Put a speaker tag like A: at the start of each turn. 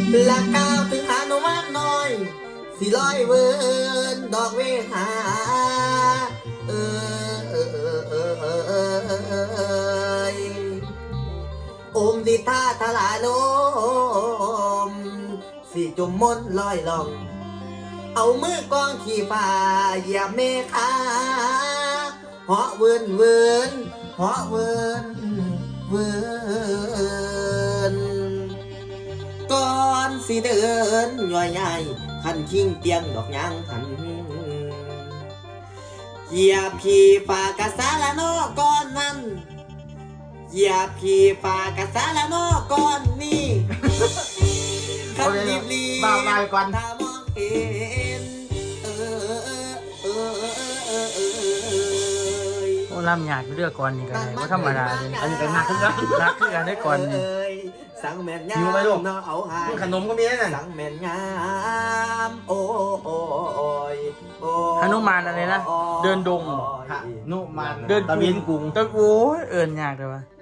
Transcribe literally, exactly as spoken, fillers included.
A: ละก้าวถึงหาโนมานน้อยสิลอยเวินดอกเวหาเออเออเออเออเออเออเอออมดิท่าทลาโลมสิจุมมนลอยล่องเอามือกองขี่ฟ้าเหยียบเมฆาเหาะเวินเวินเหาะเวินเวินก่อนสิเดินย่อยใหญ่ขันคิงเตียงดอกยางหันเหยียบขี่ฟ้ากะสาละนอก่อนนั้นเหยียบขี่ฟ้ากะสาละนอก่อนนี่ขันรีบรีบ
B: บ่าวลายก่อน
A: ถ้ามองเห็นเออเออเออเออเออ
C: โอ้ลำหยาดเลือกก่อนนี่กันว่าธรรมดาเลย
B: อันนี้เป็นนักขึ้นแล้ว
C: รักคือกันได้ก่อนนี่
A: สังแม่นงาม
B: หิวไหมลูก
A: เนาะเอาหาย
B: ขนมก็มีนั่น
A: สังแม่นงามโอ้โอ้โอ้ยโอ้ย
C: หนุมานอะไรนะเดินดง
B: นุมาน
C: เดิน
B: ตะเวียนกรุง
C: ตะโอ้ยเอิญยากเลยวะ